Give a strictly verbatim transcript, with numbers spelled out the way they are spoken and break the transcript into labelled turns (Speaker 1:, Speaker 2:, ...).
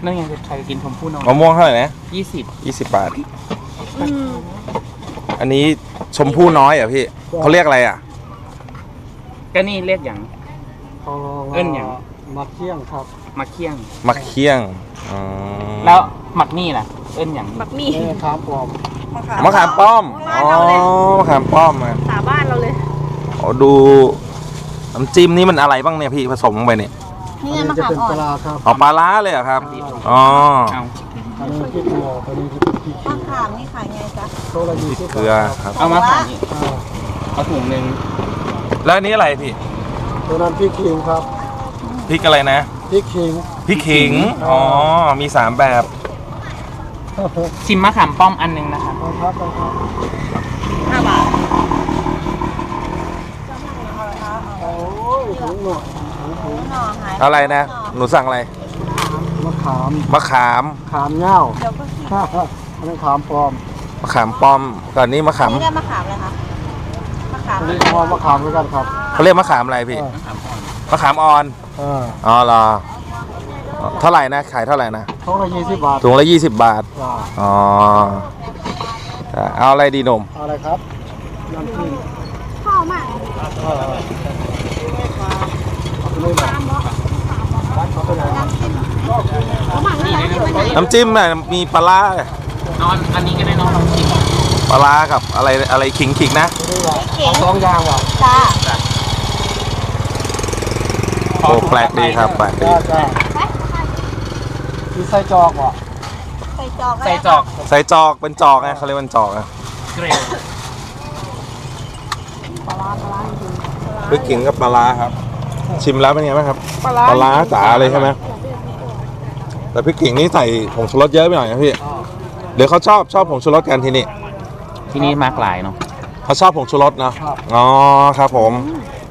Speaker 1: นั่นไงใครกินชมพู่น้อย
Speaker 2: มะม่วงเท่าไหร่นะ
Speaker 1: ยี่สิบ
Speaker 2: ยี่สิบบาทอันนี้ชมพู่น้อยเหรอพี่เขาเรียกอะไรอ่ะ
Speaker 1: ก็นี่เรียกอย่าง เอิ้นหยัง
Speaker 3: มักเที่ยงครับ
Speaker 1: มักเคี่ยง
Speaker 2: มักเคี่ยงอืม
Speaker 1: แล้วหมักนี่ล่ะเอิ้นอย่าง
Speaker 4: บักมี่
Speaker 3: นี่ครับผม
Speaker 2: มะขามป้อมอ๋อมะขามป้อมอ่ะ
Speaker 4: สาบ้านเราเลย
Speaker 2: อ๋อดูน้ำจิ้มนี่มันอะไรบ้างเนี่ยพี่ผสมลงไปเนี่ย
Speaker 4: นี่
Speaker 3: อัน
Speaker 4: ไง
Speaker 3: นี้
Speaker 4: มะ
Speaker 3: จะ
Speaker 4: ขาม
Speaker 3: เป็น
Speaker 4: อ่อ
Speaker 3: ป
Speaker 4: น
Speaker 3: ลาครับ
Speaker 2: อ๋อปลาร้าเลยเหรอครับอ๋อ
Speaker 1: เอา
Speaker 3: อันนี้พริกหยวกอันนี้พริกขี้
Speaker 4: มะขามนี่ขายไงจ๊ะ
Speaker 3: โตละยี่สิบ
Speaker 2: เกลือครับ
Speaker 1: เอามาขายนี่
Speaker 3: อ่า
Speaker 1: เอาถุงหนึ่ง
Speaker 2: แล้วอันนี้อะไรพี่
Speaker 3: ตัวนั้นพริกขิงครับ
Speaker 2: พริกอะไรนะ
Speaker 3: พริกขิง
Speaker 2: พริกขิงอ๋อมีสามแบบ
Speaker 1: ชิมมะขามป้อมอันหนึงนะคะ
Speaker 3: ครับครับ
Speaker 4: ห้าบาท
Speaker 3: โอ้ยถุงหน่อยถุงถุง
Speaker 4: หน่อหาย
Speaker 2: อะไรนะหนูสั่งอะไร
Speaker 3: มะขาม
Speaker 2: มะขาม
Speaker 3: ขามเง่า
Speaker 4: เดี๋ยวก็สิ
Speaker 3: อันนี้ขามปลอม
Speaker 2: มะขามป้อมก่อนนี้มะขาม
Speaker 4: นี่ได้มะขามเลยคะมะขาม
Speaker 3: อันนี้เขาเอามะขามด้วยกันครับ
Speaker 2: เขาเรียกมะขามอะไรพี่
Speaker 3: อ่าม
Speaker 2: ะขามอ่อน
Speaker 3: อ่า
Speaker 2: อ๋อเหรอเท่าไหร่นะขายเท่าไหร่นะ
Speaker 3: ถุงละยี่สิบบาท
Speaker 2: ถุงละยี่สิบบาท
Speaker 3: จ้า
Speaker 2: อ๋อเอาอะไรดีหนุ่ม
Speaker 3: เอาอะไรครับน้ำจิ้ม
Speaker 4: พ่อมาก
Speaker 3: เออเอาไปเลยนะเอาไปไหน
Speaker 4: เขาหมักนี่อะไร
Speaker 2: น้ำจิ้มน่ะมีปลาร้า
Speaker 1: เอาอันนี้ก็ได้น้องลองชิม
Speaker 2: ปลาร้ากับอะไรอะไรขิงขิงนะ
Speaker 4: เก๋ง
Speaker 3: สองอย่างว่ะ
Speaker 4: จ้า
Speaker 2: โอ้แปลกดีครับแปลกดี
Speaker 3: จ้าจ้ามีไส้จอกว่ะ
Speaker 4: ใส่จอก
Speaker 1: ใส่จอก
Speaker 2: ใส่จอกเป็นจอกไงเขาเรียกเป็นจอกนะ
Speaker 1: เกรด
Speaker 2: พริกขิงกับปลาร้าครับ ชิมแล้วเป็นไงบ้างครับปลาร้าจ๋าเลยใช่ไหมแต่พริกขิงนี่ใส่ผงชูรสเยอะไปหน่อยนะพี่หรือเขาชอบชอบผงชูรสกันที่นี่
Speaker 1: ที่นี่มากหลายเนาะ
Speaker 2: เขาชอบผงชูรสเนาะอ๋อครับผม
Speaker 3: อ